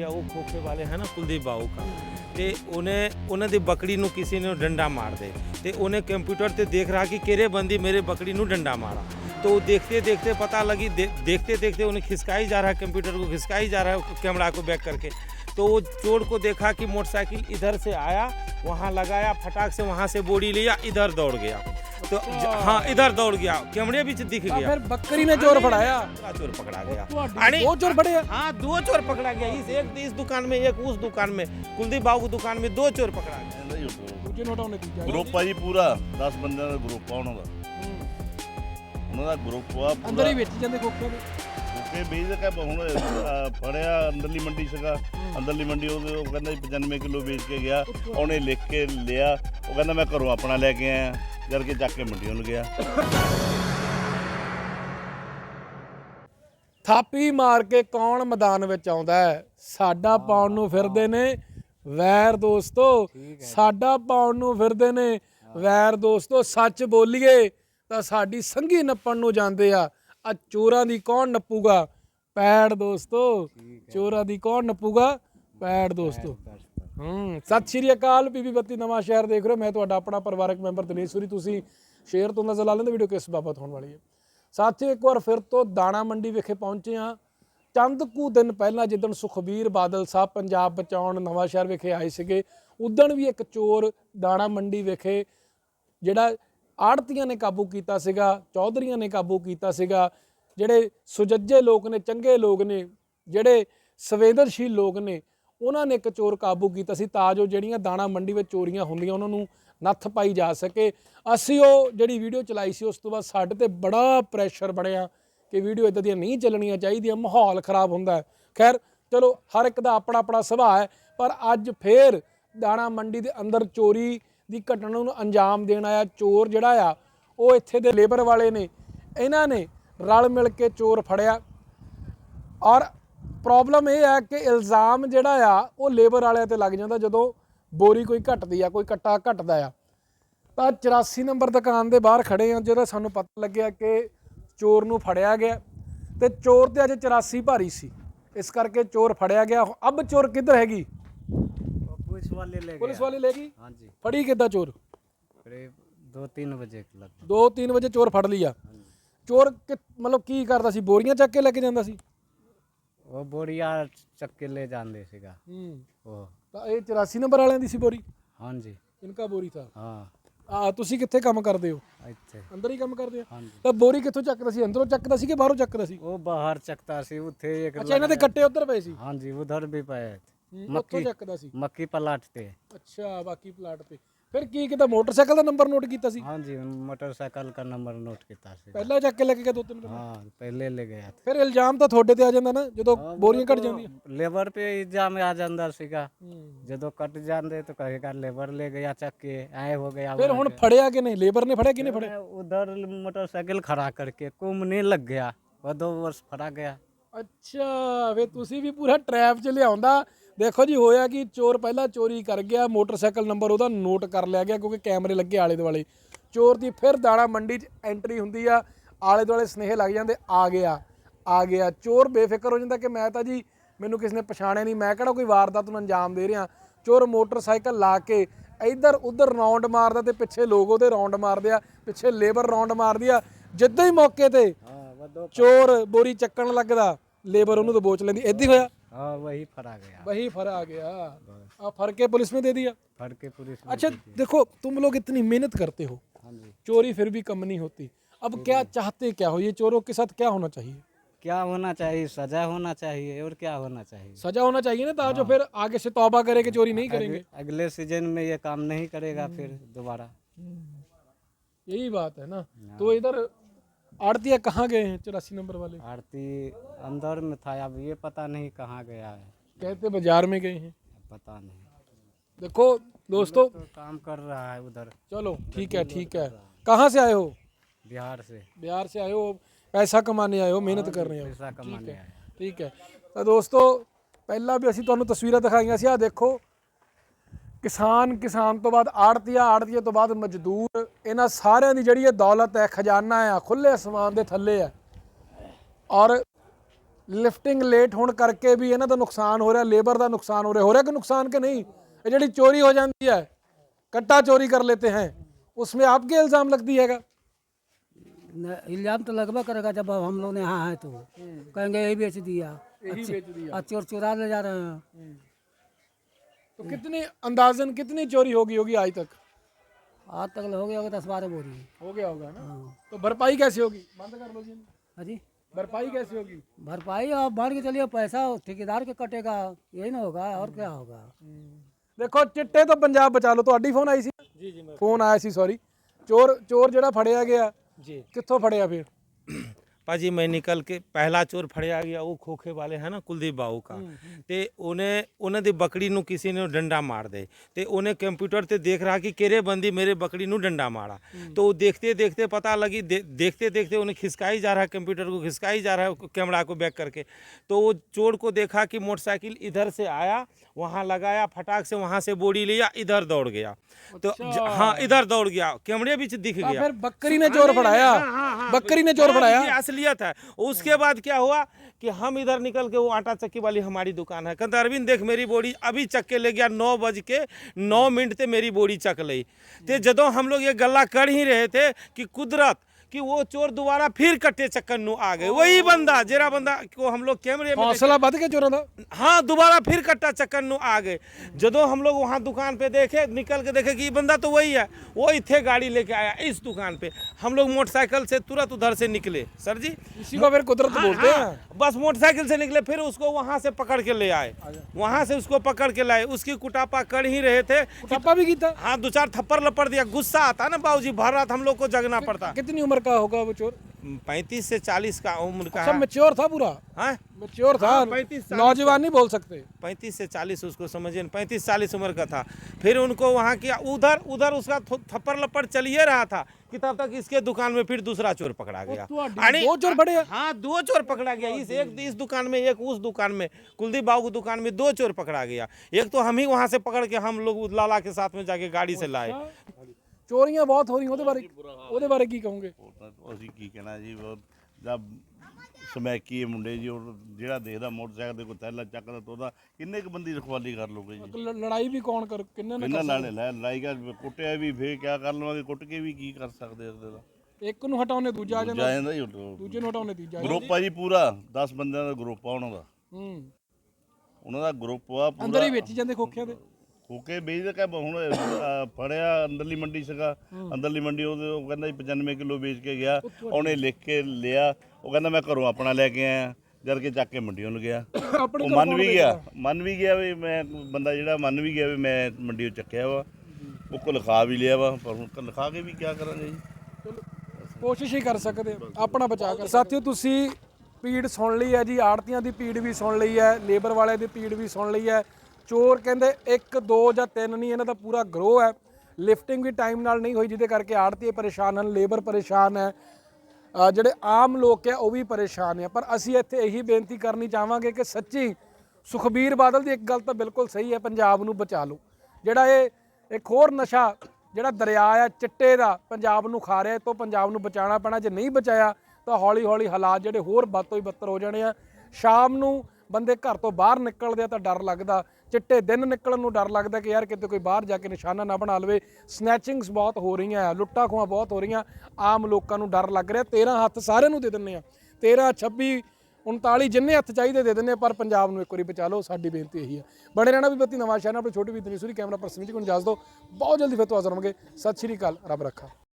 ਗਿਆ ਉਹ ਖੋਖੇ ਵਾਲੇ ਹੈ ਨਾ ਕੁਲਦੀਪ ਬਾਊ का ਤੇ ਉਹਨਾਂ ਦੀ ਬੱਕਰੀ ਨੂੰ ਕਿਸੇ ਨੇ ਡੰਡਾ ਮਾਰ ਦੇ ਤੇ ਉਹਨੇ ਕੰਪਿਊਟਰ ਤੇ ਦੇਖ ਰਹਾ ਕਿ ਕਿਹੜੇ ਬੰਦੀ ਮੇਰੇ ਬੱਕਰੀ ਨੂੰ डंडा मारा तो देखते देखते पता लगी देखते देखते उन्हें खिसकाई जा रहा है कंप्यूटर को खिसकाई जा रहा है कैमरा को बैक करके तो वो चोर को देखा कि मोटरसाइकिल इधर से आया वहाँ लगाया फटाक से वहाँ से बोरी लिया इधर दौड़ गया तो हाँ इधर दौड़ गया कैमरे भी दिख गया फिर बकरी ने चोर फड़ाया चोर पकड़ा गया दो चोर फड़े हाँ 2 चोर पकड़ा गया इस दुकान में एक उस दुकान में कुलदीप बाबू की दुकान में 2 चोर पकड़ा गया ग्रुप है जी पूरा 10 बंदे का ग्रुप है उन्होंने ਉਹਨਾਂ ਦਾ ਗਰੁੱਪ ਆ ਅੰਦਰ ਹੀ ਵੇਚੀ ਜਾਂਦੇ ਖੋਖੇ ਦੇ ਖੋਖੇ ਵੇਚ ਕੇ ਹੁਣ ਫੜਿਆ ਅੰਦਰਲੀ ਮੰਡੀ ਸੀਗਾ ਅੰਦਰਲੀ ਮੰਡੀ ਉਹ ਕਹਿੰਦਾ 95 ਕਿਲੋ ਵੇਚ ਕੇ ਗਿਆ ਉਹਨੇ ਲਿਖ ਕੇ ਲਿਆ ਉਹ ਕਹਿੰਦਾ ਮੈਂ ਘਰੋਂ ਆਪਣਾ ਲੈ ਕੇ ਆਇਆ ਜਦ ਕੇ ਚੱਕ ਕੇ ਮੰਡੀ ਨੂੰ ਗਿਆ ਥਾਪੀ ਮਾਰ ਕੇ ਕੌਣ ਮੈਦਾਨ ਵਿੱਚ ਆਉਂਦਾ ਹੈ ਸਾਡਾ ਪਾਉਣ ਨੂੰ ਫਿਰਦੇ ਨੇ ਵੈਰ ਦੋਸਤੋ ਸਾਡਾ ਪਾਉਣ ਨੂੰ ਫਿਰਦੇ ਨੇ ਵੈਰ ਦੋਸਤੋ ਸੱਚ ਬੋਲੀਏ ਤਾਂ ਸਾਡੀ ਸੰਗੀ ਨੱਪਣ ਨੂੰ ਜਾਂਦੇ ਆ ਚੋਰਾਂ ਦੀ ਕੌਣ ਨੱਪੂਗਾ ਪੈੜ ਦੋਸਤੋ ਚੋਰਾਂ ਦੀ ਕੌਣ ਨੱਪੂਗਾ ਪੈੜ ਦੋਸਤੋ ਸਤਿ ਸ਼੍ਰੀ ਅਕਾਲ ਪੀਪੀ ਬੱਤੀ ਨਵਾਂ ਸ਼ਹਿਰ ਦੇਖ ਰਹੇ ਹੋ ਮੈਂ ਤੁਹਾਡਾ ਆਪਣਾ ਪਰਿਵਾਰਕ ਮੈਂਬਰ ਦਿਨੇਸ਼ ਸੂਰੀ ਤੁਸੀਂ ਸ਼ੇਅਰ ਤੋਂ ਨਜ਼ਰ ਲਾ ਲੈਂਦੇ ਵੀਡੀਓ ਕਿਸ ਬਾਬਤ ਹੋਣ ਵਾਲੀ ਹੈ ਸਾਥੀਓ ਇੱਕ ਵਾਰ ਫਿਰ ਤੋਂ ਦਾਣਾ ਮੰਡੀ ਵਿਖੇ ਪਹੁੰਚੇ ਹਾਂ ਚੰਦ ਕੁ ਦਿਨ ਪਹਿਲਾਂ ਜਿੱਦਣ ਸੁਖਬੀਰ ਬਾਦਲ ਸਾਹਿਬ ਪੰਜਾਬ ਬਚਾਉਣ ਨਵਾਂ ਸ਼ਹਿਰ ਵਿਖੇ ਆਏ ਸੀਗੇ ਉਦਣ ਵੀ ਇੱਕ ਚੋਰ ਦਾਣਾ ਮੰਡੀ ਵਿਖੇ ਜਿਹੜਾ ਆੜਤੀਆਂ ਨੇ ਕਾਬੂ ਕੀਤਾ ਸੀਗਾ ਚੌਧਰੀਆਂ ਨੇ ਕਾਬੂ ਕੀਤਾ ਸੀਗਾ ਜਿਹੜੇ ਸੁਜੱਜੇ ਲੋਕ ਨੇ ਚੰਗੇ ਲੋਕ ਨੇ ਜਿਹੜੇ ਸੰਵੇਦਨਸ਼ੀਲ ਲੋਕ ਨੇ ਉਹਨਾਂ ਨੇ ਇੱਕ ਚੋਰ ਕਾਬੂ ਕੀਤਾ ਸੀ ਤਾਂ ਜੋ ਜਿਹੜੀਆਂ ਦਾਣਾ ਮੰਡੀ ਵਿੱਚ ਚੋਰੀਆਂ ਹੁੰਦੀਆਂ ਉਹਨਾਂ ਨੂੰ ਨੱਥ ਪਾਈ ਜਾ ਸਕੇ ਅਸੀਂ ਉਹ ਜਿਹੜੀ ਵੀਡੀਓ ਚਲਾਈ ਸੀ ਉਸ ਤੋਂ ਬਾਅਦ ਸਾਡੇ ਤੇ ਬੜਾ ਪ੍ਰੈਸ਼ਰ ਬਣਿਆ ਕਿ ਵੀਡੀਓ ਇੱਦਾਂ ਦੀਆਂ ਨਹੀਂ ਚੱਲਣੀਆਂ ਚਾਹੀਦੀਆਂ ਮਾਹੌਲ ਖਰਾਬ ਹੁੰਦਾ ਹੈ ਖੈਰ ਚਲੋ ਹਰ ਇੱਕ ਦਾ ਆਪਣਾ ਆਪਣਾ ਸੁਭਾਅ ਹੈ ਪਰ ਅੱਜ ਫੇਰ ਦਾਣਾ ਮੰਡੀ ਦੇ ਅੰਦਰ ਚੋਰੀ ਦੀ ਘਟਨਾ ਨੂੰ ਅੰਜਾਮ ਦੇਣ ਆਇਆ ਚੋਰ ਜਿਹੜਾ ਆ ਉਹ ਇੱਥੇ ਦੇ ਲੇਬਰ ਵਾਲੇ ਨੇ ਇਹਨਾਂ ਨੇ ਰਲ ਮਿਲ ਕੇ ਚੋਰ ਫੜਿਆ ਔਰ ਪ੍ਰੋਬਲਮ ਇਹ ਹੈ ਕਿ ਇਲਜ਼ਾਮ ਜਿਹੜਾ ਆ ਉਹ ਲੇਬਰ ਵਾਲਿਆਂ ਤੇ ਲੱਗ ਜਾਂਦਾ ਜਦੋਂ ਬੋਰੀ ਕੋਈ ਘਟਦੀ ਆ ਕੋਈ ਕੱਟਾ ਘਟਦਾ ਆ ਤਾਂ 84 ਨੰਬਰ ਦੁਕਾਨ ਦੇ ਬਾਹਰ ਖੜੇ ਆ ਜਦੋਂ ਸਾਨੂੰ ਪਤਾ ਲੱਗਿਆ ਕਿ ਚੋਰ ਨੂੰ ਫੜਿਆ ਗਿਆ ਤੇ ਚੋਰ ਤੇ ਅੱਜ 84 ਭਾਰੀ ਸੀ ਇਸ ਕਰਕੇ ਚੋਰ ਫੜਿਆ ਗਿਆ ਅਬ ਚੋਰ ਕਿੱਧਰ ਹੈਗੀ पुलिस वाले लेगी हाँ जी फड़ी कितना चोर 2-3 बजे 2-3 वजे चोर फड़ लिया चोर मतलब की करता सी बोरियां चक के लेके जांदा सी वो बोरिया चक के ले जांदे सीगा वो ਤਾਂ ਇਹ 84 ਨੰਬਰ ਵਾਲਿਆਂ ਦੀ ਸੀ ਬੋਰੀ हाँ जी ਇਨਕਾ ਬੋਰੀ ਥਾ हाँ ਤੁਸੀਂ ਕਿੱਥੇ ਕੰਮ ਕਰਦੇ ਹੋ ਇੱਥੇ ਅੰਦਰ ਹੀ ਕੰਮ ਕਰਦੇ हाँ ਹੋ जी ਤਾਂ ਬੋਰੀ ਕਿੱਥੋਂ ਚੱਕਦਾ ਸੀ ਅੰਦਰੋਂ ਚੱਕਦਾ ਸੀ ਕਿ ਬਾਹਰੋਂ ਚੱਕਦਾ ਸੀ वो बाहर चकता सी उथे एक ਅੱਛਾ ਇਹਨਾਂ ਦੇ ਕੱਟੇ ਉੱਧਰ ਪਏ ਸੀ हाँ जी उधर भी पाए थे ਉੱਥੋਂ ਚੱਕਦਾ ਸੀ मक्की पलाटते ਅੱਛਾ ਬਾਕੀ ਪਲਾਟ ਤੇ ਫਿਰ ਕੀ ਕਿਤਾ ਮੋਟਰਸਾਈਕਲ ਦਾ ਨੰਬਰ ਨੋਟ ਕੀਤਾ ਸੀ हाँ जी मोटरसाइकिल का नंबर नोट किया सी ਪਹਿਲਾਂ ਚੱਕ ਕੇ ਲੈ ਕੇ ਗਿਆ 2-3 ਦਿਨ हाँ पहले ले गया था ਫਿਰ ਇਲਜ਼ਾਮ ਤਾਂ ਤੁਹਾਡੇ ਤੇ ਆ ਜਾਂਦਾ ਨਾ ਜਦੋਂ ਬੋਰੀਆਂ ਘਟ ਜਾਂਦੀਆਂ लेबर पे इल्जाम आ जाता सीगा जो कट जाते तो कहेगा लेबर ले गया चक के आए हो गया ਫਿਰ ਹੁਣ ਫੜਿਆ ਕਿ ਨਹੀਂ ਲੇਬਰ ਨੇ ਫੜਿਆ ਕਿਨੇ ਫੜਿਆ उधर मोटरसाइकिल खड़ा करके घूमने लग गया वो 2 वर्ष फड़ा गया ਅੱਛਾ ਵੇ ਤੁਸੀਂ ਵੀ ਪੂਰਾ ਟਰੈਪ 'ਚ ਲਿਆਉਂਦਾ ਦੇਖੋ ਜੀ ਹੋਇਆ ਕਿ ਚੋਰ ਪਹਿਲਾਂ ਚੋਰੀ ਕਰ ਗਿਆ ਮੋਟਰਸਾਈਕਲ ਨੰਬਰ ਉਹਦਾ ਨੋਟ ਕਰ ਲਿਆ ਗਿਆ ਕਿਉਂਕਿ ਕੈਮਰੇ ਲੱਗੇ ਆਲੇ ਦੁਆਲੇ ਚੋਰ ਦੀ ਫਿਰ ਦਾਣਾ ਮੰਡੀ 'ਚ ਐਂਟਰੀ ਹੁੰਦੀ ਆ ਆਲੇ ਦੁਆਲੇ ਸਨੇਹ ਲੱਗ ਜਾਂਦੇ ਆ ਗਿਆ ਚੋਰ ਬੇਫਿਕਰ ਹੋ ਜਾਂਦਾ ਕਿ ਮੈਂ ਤਾਂ ਜੀ ਮੈਨੂੰ ਕਿਸ ਨੇ ਪਛਾਣਿਆ ਨਹੀਂ ਮੈਂ ਕਿਹੜਾ ਕੋਈ ਵਾਰਦਾਤ ਨੂੰ ਅੰਜਾਮ ਦੇ ਰਿਹਾ ਚੋਰ ਮੋਟਰਸਾਈਕਲ ਲਾ ਕੇ ਇੱਧਰ ਉੱਧਰ ਰਾਉਂਡ ਮਾਰਦਾ ਤੇ ਪਿੱਛੇ ਲੋਕ ਉਹਦੇ ਰਾਉਂਡ ਮਾਰਦੇ ਆ ਪਿੱਛੇ ਲੇਬਰ ਰਾਉਂਡ ਮਾਰਦੀ ਆ ਜਿੱਦਾਂ ਹੀ ਮੌਕੇ ਤੇ ਚੋਰ ਬੋਰੀ ਚੱਕਣ ਲੱਗਦਾ ਲੇਬਰ ਉਹਨੂੰ ਦਬੋਚ ਲੈਂਦੀ ਇੱਦਾਂ ਹੀ ਹੋਇਆ हाँ वही फरा गया अब फर के पुलिस में दे दिया फड़ के पुलिस अच्छा देखो तुम लोग इतनी मेहनत करते हो चोरी फिर भी कम नहीं होती अब क्या चाहते क्या हो ये चोरों के साथ क्या होना चाहिए क्या होना चाहिए सजा होना चाहिए और क्या होना चाहिए सजा होना चाहिए ना ताकि फिर आगे से तौबा करे कि चोरी नहीं करेंगे अगले सीजन में ये काम नहीं करेगा फिर दोबारा यही बात है ना तो इधर आड़तिया कहाँ गए हैं 84 नंबर वाले आरती अंदर में था अब ये पता नहीं कहाँ गया है कहते बाजार में गए हैं पता नहीं देखो दोस्तों तो काम कर रहा है उधर चलो ठीक है कहाँ से आए हो बिहार से आए हो पैसा कमाने आए हो मेहनत कर रहे हो पैसा कमाने आए ठीक है तो दोस्तों ਪਹਿਲਾਂ ਵੀ ਅਸੀਂ ਤੁਹਾਨੂੰ ਤਸਵੀਰਾਂ ਦਿਖਾਈਆਂ ਸੀ ਆ ਦੇਖੋ ਕਿਸਾਨ ਤੋਂ ਬਾਅਦ ਆੜਤੀਆ ਤੋਂ ਬਾਅਦ ਮਜ਼ਦੂਰ ਇਹਨਾਂ ਸਾਰਿਆਂ ਦੀ ਜਿਹੜੀ ਇਹ ਦੌਲਤ ਹੈ ਖਜ਼ਾਨਾ ਆ ਖੁੱਲੇ ਅਸਮਾਨ ਦੇ ਥੱਲੇ ਹੈ ਔਰ ਲਿਫਟਿੰਗ ਲੇਟ ਹੋਣ ਕਰਕੇ ਵੀ ਇਹਨਾਂ ਦਾ ਨੁਕਸਾਨ ਹੋ ਰਿਹਾ, ਲੇਬਰ ਦਾ ਨੁਕਸਾਨ ਹੋ ਰਿਹਾ ਕਿ ਨੁਕसान के नहीं? ये ਜਿਹੜੀ चोरी हो जाती है, कट्टा चोरी कर लेते हैं, उसमें आपके इल्ज़ाम लगती है? इल्जाम तो लगभग करेगा जब हम लोग यहाँ है तो कहेंगे यही बेच दिया, यही बेच दिया। और चोर चुरा ले जा रहे हैं। तो कितनी अंदाजन कितनी चोरी होगी आज तक? आज तक हो गया होगा 10-12 बोरी। हो गया होगा ना? तो भरपाई कैसे होगी? बंद कर लो जी। हाँ जी, भरपाई कैसे होगी? भरपाई आप मान के चलिए पैसा ठेकेदार के कटेगा, यही ना होगा और क्या होगा। ਦੇਖੋ ਚਿੱਟੇ ਤੋਂ ਪੰਜਾਬ ਬਚਾ ਲਓ। ਤੁਹਾਡੀ ਫੋਨ ਆਈ ਸੀ? ਜੀ ਜੀ ਫੋਨ ਆਇਆ ਸੀ, ਸੌਰੀ। ਚੋਰ ਜਿਹੜਾ ਫੜਿਆ ਗਿਆ जी ਕਿੱਥੋਂ ਫੜਿਆ ਫਿਰ? पाजी मैं निकल के पहला चोर फड़िया गया वो खोखे वाले है ना कुलदीप बाबू का ते उन्हें दी बकरी नू किसी ने डंडा मार दे ते उन्हें कंप्यूटर ते देख रहा कि केरे बंदी मेरे बकरी नू डंडा मारा तो देखते देखते पता लगी देखते देखते उन्हें खिसकाई जा रहा है, कंप्यूटर को खिसकाई जा रहा है कैमरा को बैक करके। तो वो चोर को देखा कि मोटरसाइकिल इधर से आया, वहाँ लगाया, फटाक से वहाँ से बोरी लिया, इधर दौड़ गया। तो हाँ इधर दौड़ गया, कैमरे बीच दिख गया। फिर बकरी ने चोर फड़ाया? बकरी ने चोर फड़ाया? असलियत है। उसके बाद क्या हुआ कि हम इधर निकल के, वो आटा चक्की वाली हमारी दुकान है, कहते अरविंद देख मेरी बोरी अभी चक के ले गया, 9:09 ते मेरी बोरी चक ली। तो जदों हम लोग ये गल्ला कर ही रहे थे कि कुदरत कि वो चोर दोबारा फिर कट्टे चक्कर नू आ गए। वही बंदा जेरा बंदा को हम लोग कैमरे में हौसला बद के चोरों दा? हाँ दोबारा फिर कट्टा चक्कर नू आ गए। जदों हम लोग वहाँ दुकान पे देखे, निकल के देखे कि ये बंदा तो वही है, वो इथे गाड़ी लेके आया इस दुकान पे। हम लोग मोटरसाइकिल से तुरंत उधर से निकले। सर जी इसी को फिर कुदरत बोलते हैं। बस मोटरसाइकिल से निकले, फिर उसको वहाँ से पकड़ के ले आए, वहाँ से उसको पकड़ के लाए। उसकी कुटापा कर ही रहे थे। कुटापा भी कीता? हाँ 2-4 थप्पड़ लपड़ दिया। गुस्सा आता ना बाबूजी, भर रात हम लोग को जगना पड़ता। कितनी उम्र का होगा वो चोर? 35 से 40 का उम्र का अच्छा है। मैच्योर था पूरा? हाँ मैच्योर था, 35-40 नौजवान नहीं बोल सकते। 35 से 40 उसको समझिए, 35-40 उम्र का था। फिर उनको वहाँ किया, उधर उसका थप्पड़ लपड़ चलिए रहा था कि तब तक इसके दुकान में फिर दूसरा चोर पकड़ा गया। दो चोर फड़े? हाँ 2 चोर पकड़ा गया। इस दुकान में, एक उस दुकान में, कुलदीप बाबू की दुकान में 2 चोर पकड़ा गया। एक तो हम ही वहाँ से पकड़ के हम लोग लाला के साथ में जाके गाड़ी से लाए। ਚੋਰੀਆਂ ਬਹੁਤ ਹੋ ਰਹੀਆਂ, ਉਹਦੇ ਬਾਰੇ ਕੀ ਕਹੋਗੇ? ਅਸੀਂ ਕੀ ਕਹਿਣਾ ਜੀ, ਜਦ ਸਮੈਕੀ ਮੁੰਡੇ ਜੀ, ਉਹ ਜਿਹੜਾ ਦੇਖਦਾ ਮੋਟਰਸਾਈਕਲ ਦੇ ਕੋਈ ਥੈਲਾ ਚੱਕਦਾ ਤਾਂ ਉਹਦਾ ਕਿੰਨੇ ਕੁ ਬੰਦੀ ਰਖਵਾਲੀ ਕਰ ਲੋਗੇ ਜੀ। ਲੜਾਈ ਵੀ ਕੌਣ ਕਰ, ਕਿੰਨੇ ਨੇ ਕਿੰਨਾ ਲੜਾਈ ਕਰ, ਕੁੱਟਿਆ ਵੀ ਫੇਰ ਕਿਆ ਕਰ ਲਵਾਂਗੇ, ਕੁੱਟ ਕੇ ਵੀ ਕੀ ਕਰ ਸਕਦੇ ਇਸ ਦਾ। ਇੱਕ ਨੂੰ ਹਟਾਉਣੇ ਦੂਜਾ ਆ ਜਾਂਦਾ, ਜਾਂਦਾ ਜੀ, ਦੂਜੇ ਨੂੰ ਹਟਾਉਣੇ ਤੀਜਾ। ਗਰੁੱਪ ਆ ਜੀ ਪੂਰਾ, 10 ਬੰਦਿਆਂ ਦਾ ਗਰੁੱਪ ਆ ਉਹਨਾਂ ਦਾ। ਉਹਨਾਂ ਦਾ ਗਰੁੱਪ ਆ ਪੂਰਾ। ਅੰਦਰ ਹੀ ਵੇਚੀ ਜਾਂਦੇ ਖੋਖਿਆਂ ਦੇ? ਖੋਕੇ ਵੇਚਦੇ ਕਿ ਹੁਣ ਫੜਿਆ ਅੰਦਰਲੀ ਮੰਡੀ ਸੀਗਾ, ਅੰਦਰਲੀ ਮੰਡੀ ਉਹ ਕਹਿੰਦਾ ਜੀ 95 ਕਿਲੋ ਵੇਚ ਕੇ ਗਿਆ। ਉਹਨੇ ਲਿਖ ਕੇ ਲਿਆ, ਉਹ ਕਹਿੰਦਾ ਮੈਂ ਘਰੋਂ ਆਪਣਾ ਲੈ ਕੇ ਆਇਆ, ਜਦ ਕੇ ਚੱਕ ਕੇ ਮੰਡੀੋਂ ਨੂੰ ਗਿਆ। ਉਹ ਮੰਨ ਵੀ ਗਿਆ ਵੀ ਮੈਂ, ਬੰਦਾ ਜਿਹੜਾ ਮੰਨ ਵੀ ਗਿਆ ਵੀ ਮੈਂ ਮੰਡੀੋਂ ਚੱਕਿਆ ਵਾ। ਉਹ ਕੋ ਲਿਖਾ ਵੀ ਲਿਆ ਵਾ, ਪਰ ਹੁਣ ਲਿਖਾ ਕੇ ਵੀ ਕੀ ਕਰਾਂਗੇ ਜੀ। ਕੋਸ਼ਿਸ਼ ਹੀ ਕਰ ਸਕਦੇ ਆਪਣਾ ਬਚਾਅ ਕਰ। ਸਾਥੀਓ ਤੁਸੀਂ ਪੀੜ ਸੁਣ ਲਈ ਹੈ ਜੀ, ਆੜਤੀਆਂ ਦੀ ਪੀੜ ਵੀ ਸੁਣ ਲਈ ਹੈ, ਲੇਬਰ ਵਾਲਿਆਂ ਦੀ ਪੀੜ ਵੀ ਸੁਣ ਲਈ ਹੈ। ਚੋਰ ਕਹਿੰਦੇ 1 2 ਜਾਂ 3 ਨਹੀਂ, ਇਹਨਾਂ ਦਾ ਪੂਰਾ ਗਰੋਹ ਹੈ। ਲਿਫਟਿੰਗ ਵੀ ਟਾਈਮ ਨਾਲ ਨਹੀਂ ਹੋਈ, ਜਿਹਦੇ ਕਰਕੇ ਆੜਤੀ ਪਰੇਸ਼ਾਨ ਹਨ, ਲੇਬਰ ਪਰੇਸ਼ਾਨ ਹੈ, ਜਿਹੜੇ ਆਮ ਲੋਕ ਹੈ ਉਹ ਵੀ ਪਰੇਸ਼ਾਨ ਹੈ। ਪਰ ਅਸੀਂ ਇੱਥੇ ਇਹੀ ਬੇਨਤੀ ਕਰਨੀ ਚਾਹਾਂਗੇ ਕਿ ਸੱਚੀ ਸੁਖਬੀਰ ਬਾਦਲ ਦੀ ਇੱਕ ਗੱਲ ਤਾਂ ਬਿਲਕੁਲ ਸਹੀ ਹੈ, ਪੰਜਾਬ ਨੂੰ ਬਚਾ ਲਓ। ਜਿਹੜਾ ਇਹ ਇੱਕ ਹੋਰ ਨਸ਼ਾ ਜਿਹੜਾ ਦਰਿਆ ਆ ਚਿੱਟੇ ਦਾ ਪੰਜਾਬ ਨੂੰ ਖਾ ਰਿਹਾ, ਤੋਂ ਪੰਜਾਬ ਨੂੰ ਬਚਾਉਣਾ ਪੈਣਾ। ਜੇ ਨਹੀਂ ਬਚਾਇਆ ਤਾਂ ਹੌਲੀ ਹੌਲੀ ਹਾਲਾਤ ਜਿਹੜੇ ਹੋਰ ਵੱਧ ਤੋਂ ਹੀ ਬੱਤਰ ਹੋ ਜਾਣੇ ਆ। ਸ਼ਾਮ ਨੂੰ ਬੰਦੇ ਘਰ ਤੋਂ ਬਾਹਰ ਨਿਕਲਦੇ ਆ ਤਾਂ ਡਰ ਲੱਗਦਾ, ਚਿੱਟੇ ਦਿਨ ਨਿਕਲਣ ਨੂੰ ਡਰ ਲੱਗਦਾ ਕਿ ਯਾਰ ਕਿਤੇ ਕੋਈ ਬਾਹਰ ਜਾ ਕੇ ਨਿਸ਼ਾਨਾ ਨਾ ਬਣਾ ਲਵੇ। ਸਨੈਚਿੰਗਸ ਬਹੁਤ ਹੋ ਰਹੀਆਂ, ਲੁੱਟਾਂ ਖੋਹਾਂ ਬਹੁਤ ਹੋ ਰਹੀਆਂ, ਆਮ ਲੋਕਾਂ ਨੂੰ ਡਰ ਲੱਗ ਰਿਹਾ। 13 ਹੱਥ ਸਾਰਿਆਂ ਨੂੰ ਦੇ ਦਿੰਦੇ ਆ, 13 26 39 ਜਿੰਨੇ ਹੱਥ ਚਾਹੀਦੇ ਦੇ ਦਿੰਦੇ, ਪਰ ਪੰਜਾਬ ਨੂੰ ਇੱਕ ਵਾਰੀ ਬਚਾ ਲਓ, ਸਾਡੀ ਬੇਨਤੀ ਇਹੀ ਹੈ। ਬਣੇ ਰਹਿਣਾ ਵੀ ਬੱਤੀ ਨਵਾਂ ਸ਼ਹਿਰ, ਆਪਣੀ ਛੋਟੀ ਵੀ ਦਨੀਸੂਰੀ ਕੈਮਰਾ ਪਰਸਨ ਜੀ ਕੋਲ ਇਜਾਜ਼ਤ ਦਿਓ। ਬਹੁਤ ਜਲਦੀ ਫਿਰ ਤੋਂ ਹਾਜ਼ਰ ਹੋਵਾਂਗੇ। ਸਤਿ ਸ਼੍ਰੀ ਅਕਾਲ, ਰੱਬ ਰੱਖਾ।